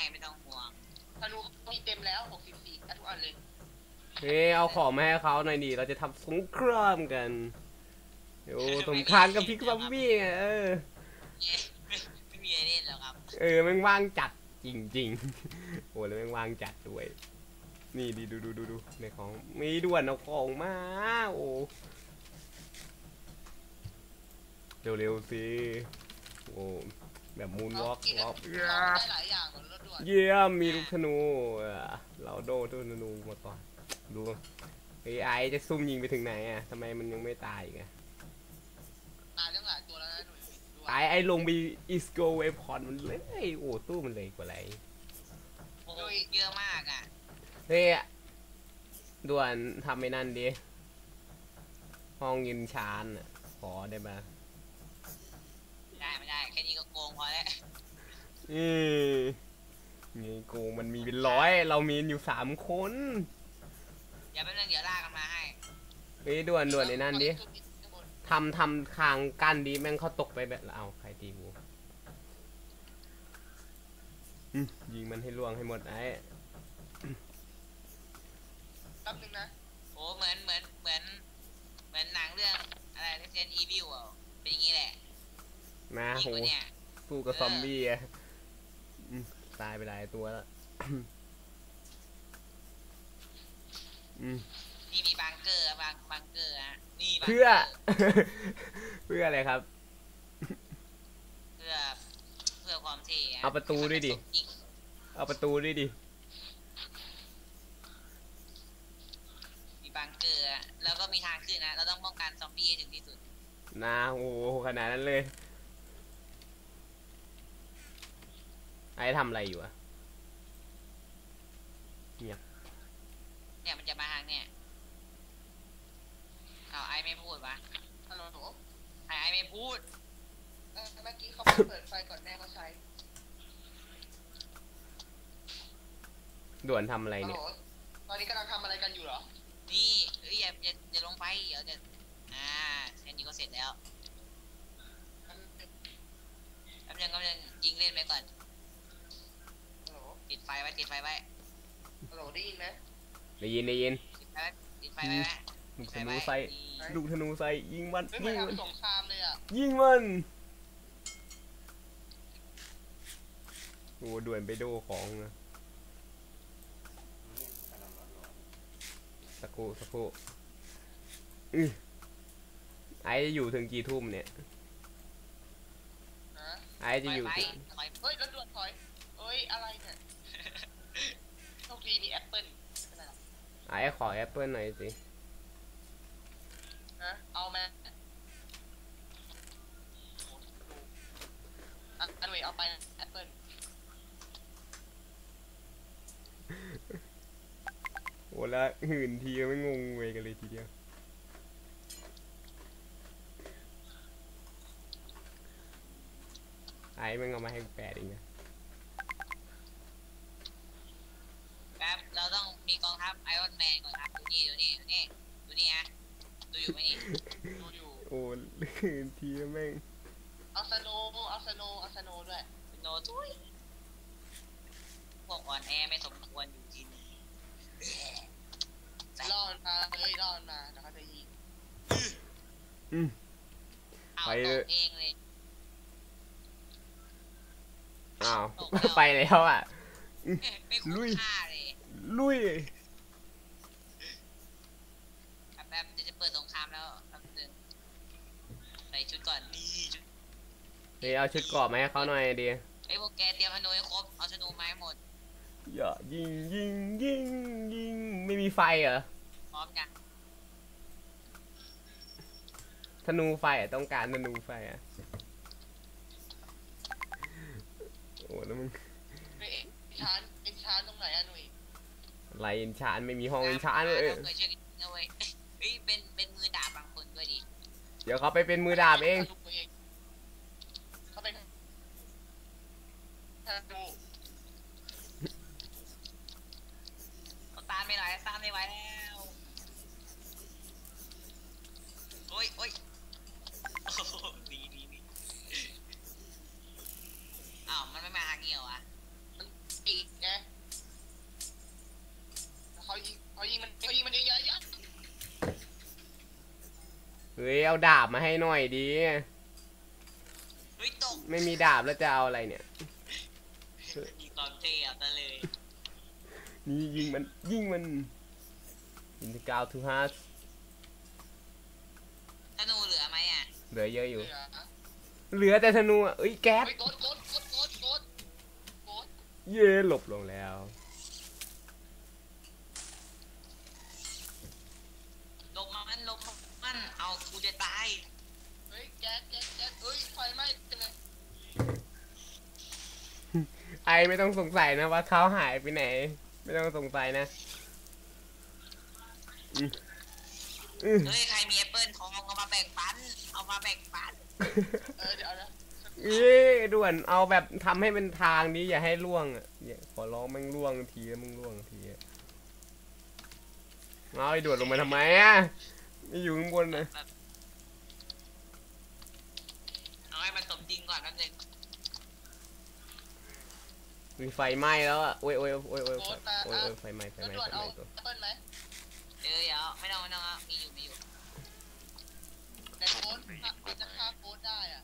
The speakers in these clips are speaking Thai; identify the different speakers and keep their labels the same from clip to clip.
Speaker 1: ไม่ต้องห่วง
Speaker 2: ธนูมีเต็มแล้ว64ทุกอันเลย
Speaker 3: เฮ้ยเอาของมาให้เขาหน่อยดิเราจะทำสงครามกันโอ้สงครามกับพิกซอมบี้ไง
Speaker 1: ไม่มีอะไรเล่นแล้วครับ
Speaker 3: แม่งว่างจัดจริงๆโอ้แล้วแม่งว่างจัดด้วยนี่ดีดูในของมีด่วนเอาของมาโอ้เร็วๆสิโอ้แบบมูนวอล์ก
Speaker 2: ได้หลายอย่างรถด่วน
Speaker 3: เยี่ยมมีลูกธนูเราโดนธนูมาก่อนดูไอ้จะซุ่มยิงไปถึงไหนอ่ะทำไมมันยังไม่ตายไง
Speaker 2: ตายตั้งหลายตัวแล้วนะหนุ่ย
Speaker 3: ไอ้ลงไปอิสโกเวพอนมันเลยโอ้ตู้มันเลยกว่าไร
Speaker 1: โอ้ยเยอะมากอ่ะ
Speaker 3: เฮ้ยด่วนทำไอ้นั่นดิห้องยินชานขอได้ไหม
Speaker 1: ไม่ได้แค่นี้ก็โกงพอแล้ว
Speaker 3: นี่โกงมันมีเป็นร้อยเรามีอยู่3 คน
Speaker 1: อย่าไปเรื่องเดี๋ยวลากกันมาให้
Speaker 3: เฮ้ยด่วนไอ้นั่นดิทำคางกั้นดิแม่งเขาตกไปแบบเอาใครตีกูยิงมันให้ล่วงให้หมดไอ้
Speaker 2: แป๊บนึงนะ
Speaker 1: โอ้เหมือนหนังเรื่องอะไร Resident Evil อ่ะเป็นอย่างนี้แหละ
Speaker 3: นะโหสู้กับซอมบี้อะตายไปหลายตัวแล้ว
Speaker 1: นี่มีบังเกอร์บังเกอร์อ่ะนี่
Speaker 3: เพื่ออะไรครับ
Speaker 1: เพื่อความเท่
Speaker 3: เอาประตูด้วยดิ
Speaker 1: มีบังเกอร์แล้วก็มีทางขึ้นนะเราต้องป้องกันซอมบี้ให้ถึงที่สุด
Speaker 3: นะโอ้ขนาดนั้นเลยไอ้ทำอะไรอยู่อะ
Speaker 1: เนี่ยมันจะมาทางเนี่ยเอาไอ้ไม่พูดวะ
Speaker 2: ฮัลโหล
Speaker 1: ไอ้ไม่พูด
Speaker 2: เมื่อกี้เขาเปิดไฟก่อนแม่เขาใช้
Speaker 3: ด่วนทำอะไรเนี่ย
Speaker 2: ตอนนี้กำลังทำอะไรกันอยู่เหรอ
Speaker 1: นี่อย่าลงไปเดี๋ยวจะแค่นี้ก็เสร็จแล้วแป๊บนึงยิงเล่นไปก่อนติดไฟไว้
Speaker 2: ฮัลโหลได้ยินไหม
Speaker 3: ได้ยิน
Speaker 1: ติดไฟไว้
Speaker 3: ลูกธนูใส่ยิงมัน
Speaker 2: สงครามเลยอ่ะ
Speaker 3: ยิงมันโอ้ด่วนไปดูของนะสักครู่ไอ้จะอยู่ถึงกี่ทุ่มเนี่ยไอ้จะอยู่
Speaker 2: เฮ้ยรถด่วนถอยเฮ้ยอะไรเนี่ยโชคดีมีแอปเปิ้ล
Speaker 3: ไอ้ขอแอปเปิ้ลหน่อยสิ
Speaker 2: เอาแม่อันนี้เอาไปแอปเปิ้ล
Speaker 3: โอ้แล้วหื่นทีไม่งงเวยกันเลยทีเดียวไอ้มันเอามาให้8เองนะ
Speaker 1: ครับเราต้องมีกองทัพไอรอนแมนก่อนครับดูนี่ฮะดูอยู่ไหมนี่
Speaker 2: ดูอยู่
Speaker 3: โอ้หื่นทีแม่ง
Speaker 2: เอาสโนด้วย
Speaker 1: สโนทุยพวกอ่อนแอไม่สมควรอยู่ที่นี่
Speaker 2: ล่อมาแล้วเขาจะยิง
Speaker 1: เอาตกเองเลย
Speaker 3: อ้าวไปแล้วอ่ะ
Speaker 1: ลุยแบบจะเปิดสงครามแล้วใส่ชุดก่อนนี่
Speaker 3: เดี๋ยวเอาชุดกรอบมาให้เขาหน่อยดี
Speaker 1: ไอ้พวกแกเตรียมธนูให้ครบเอาธนูมาให้หมด
Speaker 3: อย่ายิงไม่มีไฟเหรอ
Speaker 1: พร้อมยัง
Speaker 3: ธนูไฟต้องการธนูไฟโอ้แล้วมึง
Speaker 2: เป็นชานตรงไหนอะหนุ่ย
Speaker 3: ไรเอ็นชานไม่มีห้องเอ็นชานเลย
Speaker 1: เป็นมือดาบบางคนด้วยดิ
Speaker 3: เดี๋ยวเขาไปเป็นมือดาบเอง
Speaker 2: เขาเป็นดู
Speaker 1: ตามไม่ไหวแล้วโอ้ยดีอ้าวมันไม่มาหาเกี่ยวอ่ะ
Speaker 2: มันตี
Speaker 3: ฮ้ยเอาดาบมาให้หน่อยดิ
Speaker 1: เฮ้ยตก
Speaker 3: ไม่มีดาบแล้วจะเอาอะไรเนี่ย
Speaker 1: มีความเท่เอาซะเลย
Speaker 3: นี่ยิงมันอินทิกาวทูฮาร์
Speaker 1: ธนูเหลือไหมอ่ะ
Speaker 3: เหลือเยอะอยู่
Speaker 2: เหลือ
Speaker 3: เหลือแต่ธนูอ่ะเอ้ยแก๊ส
Speaker 2: เฮ้ยกด
Speaker 3: เย่หลบลงแล้ว
Speaker 1: ลงมันเอากูจะตาย
Speaker 2: เฮ้ยแก๊สเฮ้ยไฟไหม้ไปเลย
Speaker 3: ไอไม่ต้องสงสัยนะว่าเขาหายไปไหน ไม่ต้องสงสัยนะอืม
Speaker 1: เฮ้ยใครมีแอปเปิลทองเอามาแบ่งปัน
Speaker 2: เดี๋ยวนะ
Speaker 3: เอ้ยด่วนเอาแบบทำให้เป็นทางนี้อย่าให้ล่วงอ่ะอย่าขอร้องมึงล่วงทีแล้วมึงล่วงทีอะเอาไอ้ด่วนลงมาทำไมอ่ะไม่อยู่ข้างบนนะ
Speaker 1: แบบเอาให้มันสมจริงก่อนนั่นเอง
Speaker 3: มีไฟไหม้แล้วอ่ะโอ้ยไฟไหม้
Speaker 2: แล้วด่วนเอาแอปเปิ้ลไหม
Speaker 1: เดี๋ยวไม่ต้องเอามีอยู่
Speaker 2: ในโค้ดมันจะฆ่าโค้ดได้อ่ะ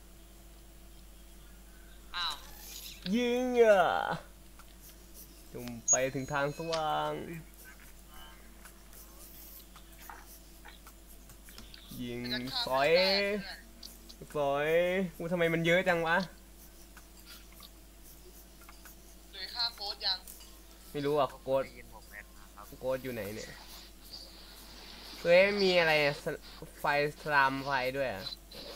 Speaker 1: อ้าว
Speaker 3: ยิงอ่ะจุ่มไปถึงทางสว่างยิง
Speaker 2: มันจะฆ่า
Speaker 3: สอย
Speaker 2: ได้เพื่อน
Speaker 3: กูทำไมมันเยอะจังวะ
Speaker 2: หรือฆ่าโค้ดยัง
Speaker 3: ไม่รู้อ่ะโกดอยู่ไหนเนี่ยเฮ้ยมีอะไรอะไฟสลามไฟด้วยอ่ะ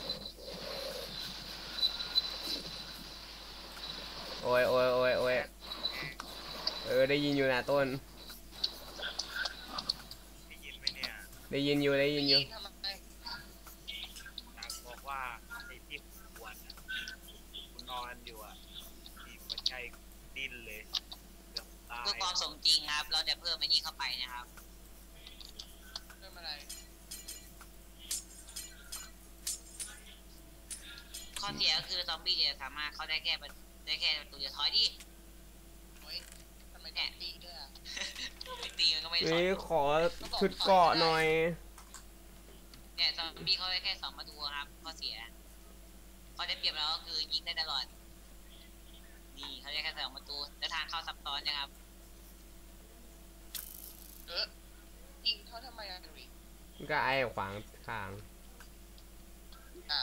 Speaker 3: โอ้ยได้ยินอยู่นะต้น
Speaker 4: ได้ยินไหมเนี่ย
Speaker 3: ได้ยินอยู่
Speaker 2: ทำไม
Speaker 4: อยากบอกว่าไอ้ที่ปวดอ่ะกูนอนอยู่อ่ะที่หัวใจดิ้นเลยเกือบตาย
Speaker 1: เพื่อความสมจริงครับ เราจะเพิ่มไอ้นี่เข้าไปนะครับ
Speaker 2: เรื่องอะไร
Speaker 1: ข้อเสียก็คือซอมบี้จะสามารถเข้าได้แค่ประตูจะถอยดิ
Speaker 2: เฮ้ยทำไมต้องตีด้วยอ่ะ
Speaker 1: ไม่ตีมันก็ไม่ถอ
Speaker 3: เฮ้
Speaker 1: ย
Speaker 3: ยขอชุดเกาะหน่อย
Speaker 1: เนี่ยซอมบี้เขาได้แค่2ประตูครับข้อเสียข้อได้เปรียบเราก็คือยิงได้ตลอดนี่เขาได้แค่2ประตูและทางเข้าซับซ้อนนะครับ
Speaker 2: ยิงเขาทำไมอ่ะดุย
Speaker 3: ก็ไอ้ขวางทาง
Speaker 2: อ้าว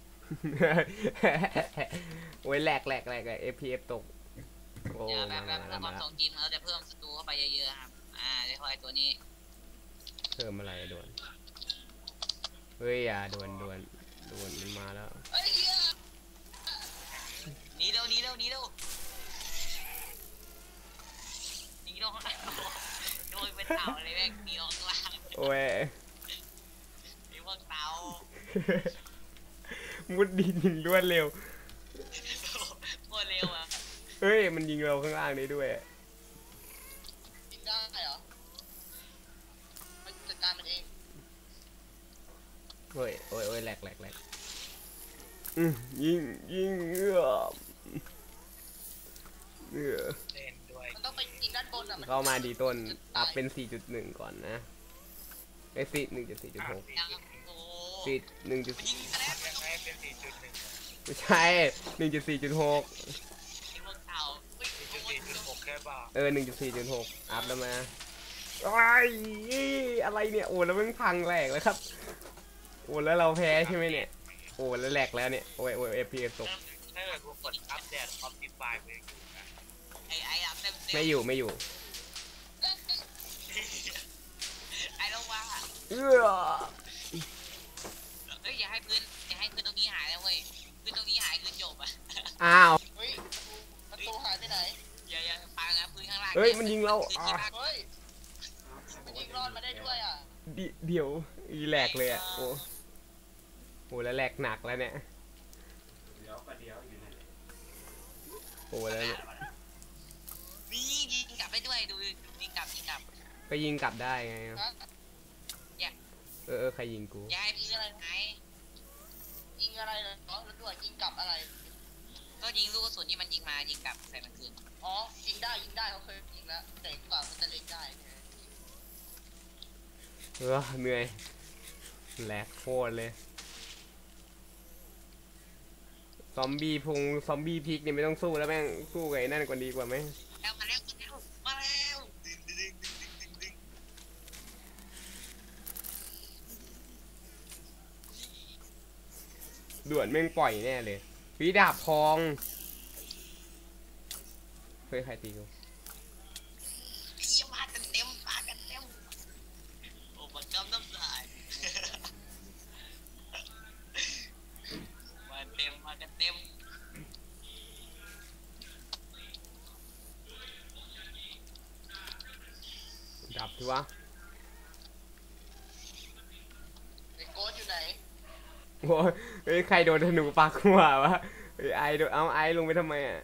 Speaker 3: โอ้ยแหลก FPS ตกโอ้
Speaker 1: เดี๋ยวแบบ
Speaker 3: มา
Speaker 1: เพื่อความสมจริงเราจะเพิ่มศัตรูเข้าไปเยอะๆครับได้พอไอ้ตัวนี้
Speaker 3: เพิ่มอะไรด่วนเฮ้ยอย่าด่วนมันมาแล้ว
Speaker 2: เฮ้ยเหี้ย
Speaker 1: หนีเร็วข้างหลังหนีโดนเป็นเต่าเลยแม่งหนีออกข้างล่าง
Speaker 3: โอ้ย
Speaker 1: ไอ้พวกเต่า
Speaker 3: มุดดินยิงรวดเร็ว
Speaker 1: โคตรเร็วอ่ะ
Speaker 3: เฮ้ยมันยิงเราข้างล่างได้ด้วย
Speaker 2: ยิงได้เหรอมันจัดการมันเอง
Speaker 3: โอ้ยแหลกยิงเ
Speaker 4: เล่นด้วย
Speaker 2: มันต้องไปยิงด้านบนอ่ะมัน
Speaker 3: เข้ามาดีต้นอัพเป็น 4.1 ก่อนนะไอ้4.1.4.6
Speaker 1: ยังโอ้
Speaker 3: 4 1.
Speaker 1: ยิงแล้ว
Speaker 4: ยังไงเป็น 4.1
Speaker 3: ไม่ใช่ 1.4.6
Speaker 1: ไอ้พวกเต่า
Speaker 4: 4.6 แค่บ้า
Speaker 3: 1.4.6 อัพแล้วมาอะไรเนี่ยโอ้แล้วมันพังแหลกแล้วครับโอ้แล้วเราแพ้ใช่ไหมเนี่ยโอ้แล้วแหลกแล้วเนี่ยโอ้ย FPS ตก
Speaker 4: ถ้าเกิดกูกดอัปเดตออปติฟายไปอยู่นะ
Speaker 1: ไอ้ดับเต็ม
Speaker 3: ไม่อยู่
Speaker 1: ไอ้ต้องว่า
Speaker 3: เอื้อ
Speaker 1: อย่าให้พื้นตรงนี้หายนะเว้ยพื้นตรงนี้หายคือจบอ่ะ
Speaker 3: อ้าว
Speaker 2: เฮ้ยประตูหายไปไหน
Speaker 1: อย่าฟังนะพื้นข้างล่าง
Speaker 3: เฮ้ยมันยิงเรา
Speaker 1: คือที่พัก
Speaker 2: เฮ้ยมันยิงรอดมาได้ด้วยอ่ะ
Speaker 3: เดี๋ยวอีแหลกเลยอ่ะโอ้แล้วแหลกหนักแล้วเนี่ยโอ้แล้วเนี่ย
Speaker 1: นี่ยิงกลับไปด้วยดูยิงกลับ
Speaker 3: ก็ยิงกลับได้ไง
Speaker 2: ฮะ
Speaker 3: ใครยิงกู
Speaker 1: อย่าให้พื้นอะไรหาย
Speaker 2: ยิงอะไรเหรอแล้วด่วนยิงกลับอะไร
Speaker 1: ก็ยิงลูกกระสุนที่มันยิงมายิงกลับใส่มันคืน
Speaker 2: อ๋อยิงได้เขาเคยยิงแล้วแต่กว่ามันจะเล็งได้ไง
Speaker 3: เหนื่อยแหลกโคตรเลยซอมบี้พงซอมบี้พริกนี่ไม่ต้องสู้แล้วแม่งสู้กับไอ้นั่นกว่าดีกว่าไหม
Speaker 1: แล้วมาแล้วมาแล้วดึงดึงดึงดึงดึง
Speaker 3: ด่วนแม่งปล่อยแน่เลยวิดาบทองเฮ้ยใครตีกู
Speaker 1: เยี่ยมมากันเต็มมากันเต็มโอ้ปักกำน้ำลายมาเต็มมากันเต็ม
Speaker 3: ดับทีวะ
Speaker 2: ไอ้โกดอยู่ไหน
Speaker 3: โอ้ยเฮ้ยใครโดนธนูปักหัววะเฮ้ยไอโดนเอาไอลงไปทำไมอ่ะ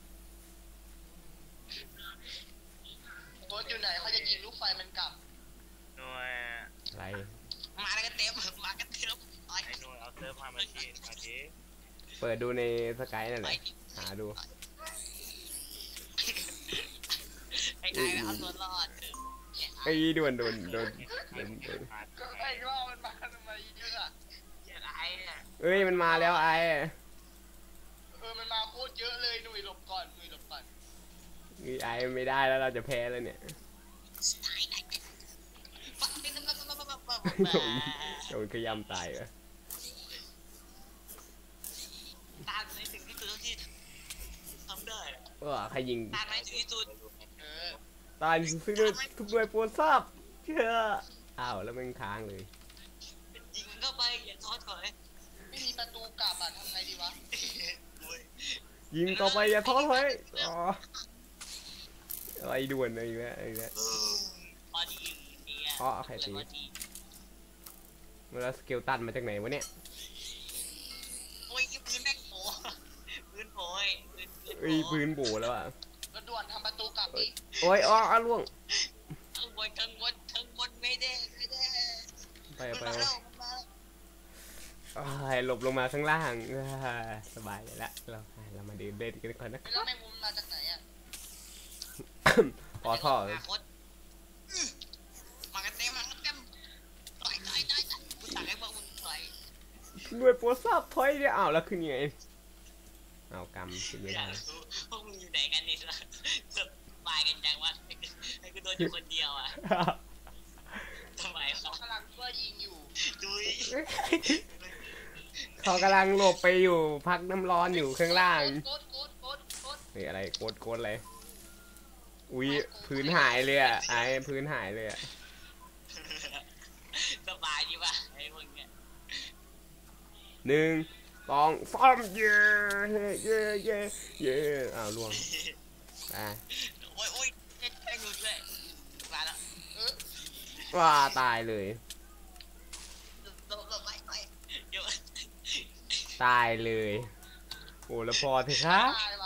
Speaker 2: โกดอยู่ไหนเขาจะยิงลูกไฟมันกลับ
Speaker 4: หน่วย
Speaker 3: อะไร
Speaker 1: มากันเต็มมากันเต็มไป
Speaker 4: ไอ้หน่วยเอาเซิร์ฟพามาทีมาที
Speaker 3: เปิดดูในสกายนั่นแหละหาดู
Speaker 1: ไอ้ไอ้เอาตัวรอด
Speaker 3: ไอ้ด่วนโดน
Speaker 2: ก็ไอ้ว่ามันมาทำไมเยอะอะ
Speaker 1: ไอ้เนี่ย
Speaker 3: เอ้ยมันมาแล้วไอ
Speaker 2: มันมาโคตรเยอะเลยหนุ่ยหลบก่อนหนุ่ยหลบก่อน
Speaker 3: ไอไม่ได้แล้วเราจะแพ้แล้วเนี่ยโดนขยำตายเหรอ
Speaker 1: ตามในถึงที่สุดที่ทำได้
Speaker 3: ว่าใครยิง
Speaker 1: ตามในถึงที่สุด
Speaker 2: เออ
Speaker 3: ตายซึ่งด้วยทุกด้วยโปรดทราบเชื่ออ้าวแล้วมันค้างเลย
Speaker 1: ยิงเข้าไปอย่าท้อถอย
Speaker 2: ไม่มีประตูกลับอะทำไงดีวะ
Speaker 3: ยิงต่อไปอย่าท้อถอยอ๋ออะไรด่วนอะไรอย่างเงี้ยอะไรเงี้ย
Speaker 1: พอดีเนี่ย
Speaker 3: อ๋อใครตีแล้วสเกลตันมาจากไหนวะเนี่ย
Speaker 1: โอ้ยปืนแม่งโผล่ปืนโผล่ปืน
Speaker 3: เอ้ยปืนโบแล้วอ่ะ
Speaker 2: แล้วด่วนทำประตูกลับดิ
Speaker 3: โอ้ยอ๋อล่วง
Speaker 1: ข้างบนข้างบนข้างบนไม่ได้ไม่ได้
Speaker 3: ไป
Speaker 1: มัน
Speaker 3: ไป
Speaker 1: มาแล้วมันมาแล้ว
Speaker 3: อ้ายหลบลงมาข้างล่างสบายเลยละเรามาเดินเล่นกันก่อนนะ
Speaker 2: แล้วแมงมุมมาจากไหนอะ
Speaker 3: พอท่อ
Speaker 1: มากันเต็มมากันเต็มต่อยกูสั่งให้พวกมึงต่อย
Speaker 3: ด้วยโปรทราบถอยเนี่ยอ้าวแล้วขึ้นยังไงอ้าวกำขึ้นไม่
Speaker 1: อยา
Speaker 3: ได้
Speaker 1: กรู้พวกมึงอยู่ไหนกันนี่ล่ะสบายกันจังวะไอ้กูโดนอยู่คนเดียวอ่ะทำไม
Speaker 2: เขา
Speaker 1: วะ
Speaker 2: กำลังช่วยยิงอยู่
Speaker 1: ดุย
Speaker 3: เขากำลังหลบไปอยู่พักน้ำร้อนอยู่ข้างล่าง
Speaker 2: โกด
Speaker 3: นี่อะไรโกดอะไรอุ้ยพื้นหายเลยอ่ะไอ้พื้นหายเลยอ่ะ
Speaker 1: สบายดีป่ะไอ้พวกเนี้ย
Speaker 3: 1 2 3เย่เย่อ้าวล่วงอ่ะ
Speaker 1: โอ้ยแม่งหลุดเลยมาแล้ว
Speaker 3: ว้าตายเลย
Speaker 1: หลบไปเดี๋ยว
Speaker 3: ตายเลยโอ้แล้วพอเถอะครับ
Speaker 2: ตาย